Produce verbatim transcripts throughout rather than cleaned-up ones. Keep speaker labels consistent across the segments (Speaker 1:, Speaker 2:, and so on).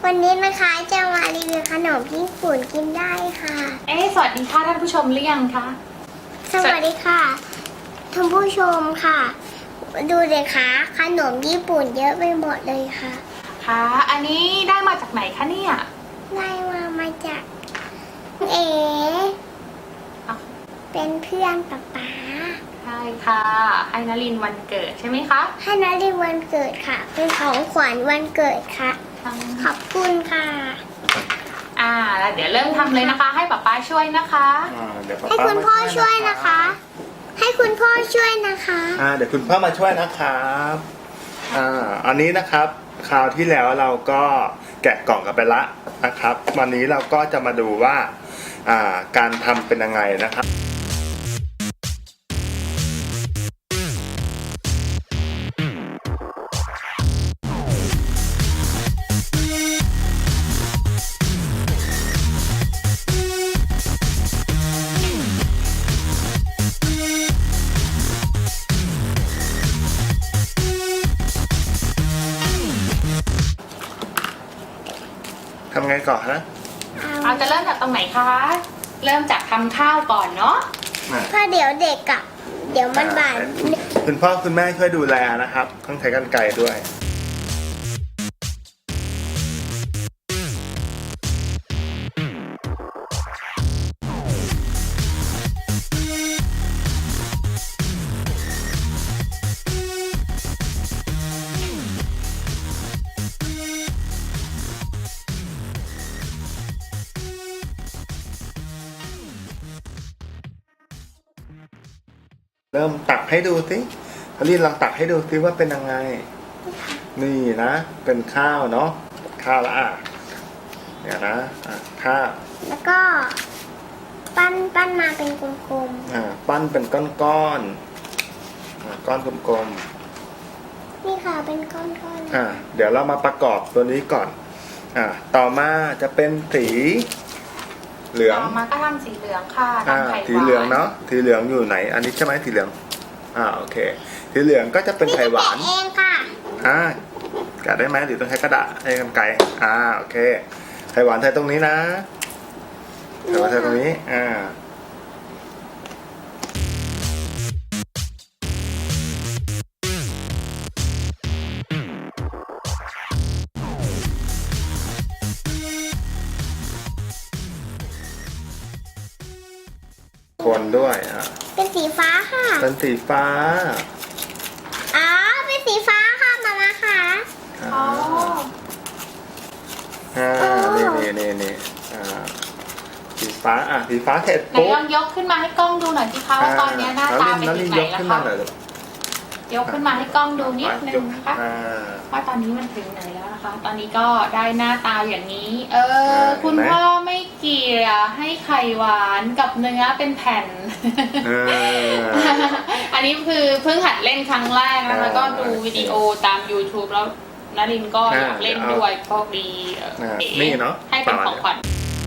Speaker 1: วันนี้นะคะจะมารีวิวขนมญี่ปุ่นกินได้ค่ะ
Speaker 2: เอ๊ะสวัสดีค่ะท่านผู้ชมหรือยังคะ
Speaker 1: สวัสดีค่ะท่านผู้ชมค่ะ ดูเลยค่ะขนมญี่ปุ่นเยอะไปหมดเลยค่ะ
Speaker 2: ค่ะ อันนี้ได้มาจากไหนคะเนี่ย
Speaker 1: ได้มามาจากเอ๋
Speaker 2: อ้าว
Speaker 1: เป็นเพื่อนป๊าป๊า
Speaker 2: ใช่ค่ะให้นลินวันเกิดใช่ไหมคะ
Speaker 1: ให้นารีวันเกิดค่ะ เป็นของขวัญวันเกิดค่ะ ขอบคุณค่ะ
Speaker 2: อ่าแล้วเดี๋ยวเริ่มทำเลยนะคะ ให้ป๊าป๊าช่วยนะคะ
Speaker 3: อ่าเดี๋ยวป๊า
Speaker 1: ให้
Speaker 3: ป๊า
Speaker 1: คุณพ่อช่วยนะคะ ให้คุณพ่อช่วยนะคะ
Speaker 3: อ่าเดี๋ยวคุณพ่อมาช่วยนะครับอ่าอันนี้นะครับคราวที่แล้วเราก็แกะกล่องกันไปละนะครับ วันนี้เราก็จะมาดูว่าอ่าการทำเป็นยังไงนะครับทำไงก่อนนะ
Speaker 2: เราจะเริ่มจากตรงไหนคะ เริ่มจากทำข้าวก่อนเนาะ
Speaker 3: อ่า
Speaker 1: เพราะเดี๋ยวเด็กอะเดี๋ยวมันบาด
Speaker 3: คุณพ่อคุณแม่ช่วยดูแลนะครับต้องใช้กรรไกรด้วย เริ่มตักให้ดูสิพลินลองตักให้ดูสิว่าเป็นยังไง นี่นะ เป็นข้าวเนาะ ข้าวละอ่ะเนี่ยนะ อ่ะข้าว
Speaker 1: แล้วก็ปั้นปั้นมาเป็นกลม
Speaker 3: อ่า ปั้นเป็นก้อนๆอ่าก้อนกลม
Speaker 1: ๆนี่ค่ะเป็นก้อนๆ
Speaker 3: ๆอ่า เดี๋ยวเรามาประกอบตัวนี้ก่อน อ่า ต่อมาจะเป็นสีเหลือง
Speaker 2: ต่อมาก็ทำสีเหลืองค่ะ
Speaker 3: อ่า
Speaker 2: ทำไข่หวาน
Speaker 3: สีเหลืองเนาะ สีเหลืองอยู่ไหน อันนี้ใช่ไหมสีเหลือง อ่า โอเค สีเหลืองก็จะเป็นไข่หวาน
Speaker 1: แกะเองค่ะ
Speaker 3: อ่าแกะได้ไหมหรือต้องใช้กระดาษให้กรรไกรอ่าโอเคไข่หวานใส่ตรงนี้นะไข่หวานใส่ตรงนี้อ่าคนด้วยอ่า
Speaker 1: เป็นสีฟ้าค่ะ
Speaker 3: เป็นสีฟ้า
Speaker 1: อ๋อเป็นสีฟ้าค่ะมามาค่ะ
Speaker 3: อ่า
Speaker 2: อ๋อ
Speaker 3: อ่านี่นี่นี่นี่อ่าสีฟ้าอ่ะสีฟ้าเสร็จ
Speaker 2: ไหน
Speaker 3: ปุ๊บ
Speaker 2: ลองยกขึ้นมาให้กล้องดูหน่อยสิคะว่าตอนนี้หน้าตาเป็น
Speaker 3: แล้ว
Speaker 2: ยัง
Speaker 3: นี่
Speaker 2: ไง
Speaker 3: ยก
Speaker 2: แล้
Speaker 3: ขึ้
Speaker 2: วน
Speaker 3: มา
Speaker 2: คะ
Speaker 3: หน่อยลูก
Speaker 2: ยกขึ้นมาให้กล้องดูนิดนึ
Speaker 3: ย
Speaker 2: ง
Speaker 3: ก
Speaker 2: นะคะ
Speaker 3: อ่า
Speaker 2: ว่าตอนนี้มันถึงไหนแล้วนะคะ ตอนนี้ก็ได้หน้าตาอย่างนี้ เออ
Speaker 3: อ่า
Speaker 2: คุณ
Speaker 3: เห็นไหม
Speaker 2: พ่อไม่เกลี่ยให้ไข่หวานกับเนื้อเป็นแผ่น
Speaker 3: เออ
Speaker 2: อันนี้คือเพิ่งหัดเล่นครั้งแรกนะคะ
Speaker 3: อ่า
Speaker 2: ก็ดูวิดีโอตาม YouTube แล้วนรินทร์ก็
Speaker 3: อ่า
Speaker 2: อยากเล่นด้วยโชคดีเอ่อ
Speaker 3: อ่า
Speaker 2: เก๋
Speaker 3: นี่เนอะ
Speaker 2: ให้เป็นของขวัญ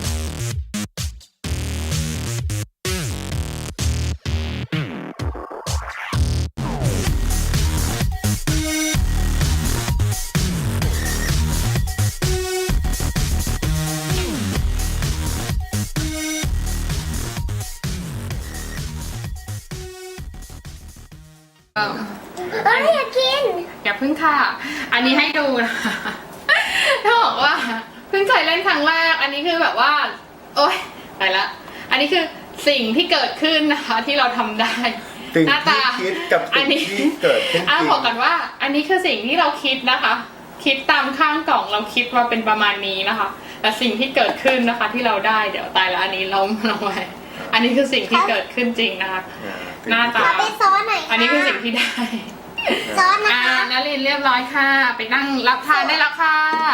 Speaker 1: เอ้ยอยากกิน
Speaker 2: อย่าเพิ่งค่ะ อันนี้ให้ดูนะคะถ้าบอกว่าเพิ่งเคยเล่นครั้งแรก อันนี้คือแบบว่า โอ๊ยไปละ อันนี้คือสิ่งที่เกิดขึ้นนะคะ ที่เราทำได้
Speaker 3: สิ่ง
Speaker 2: หน้า
Speaker 3: ที่
Speaker 2: ตา
Speaker 3: คิดกับ
Speaker 2: อั
Speaker 3: สิ่
Speaker 2: น
Speaker 3: ง
Speaker 2: นี้
Speaker 3: ที่เกิดขึ้นจ
Speaker 2: อ่ะ
Speaker 3: ริง
Speaker 2: บอกกันว่า อันนี้คือสิ่งที่เราคิดนะคะ คิดตามข้างกล่องเราคิดว่าเป็นประมาณนี้นะคะ แต่สิ่งที่เกิดขึ้นนะคะ ที่เราได้เดี๋ยวตายแล้วอันนี้ล้มลงไปอันนี้คือสิ่งที่เกิดขึ้นจริงนะคะ
Speaker 3: อ่า
Speaker 2: หน้าตา
Speaker 1: ขอไปซ้อนหน่อยค่ะ
Speaker 2: อันนี้คือสิ่งที่ได้
Speaker 1: ซ้อนนะ
Speaker 2: อ่า
Speaker 1: คะ
Speaker 2: นารินเรียบร้อยค่ะ ไปนั่งรับทานได้แล้วค่ะ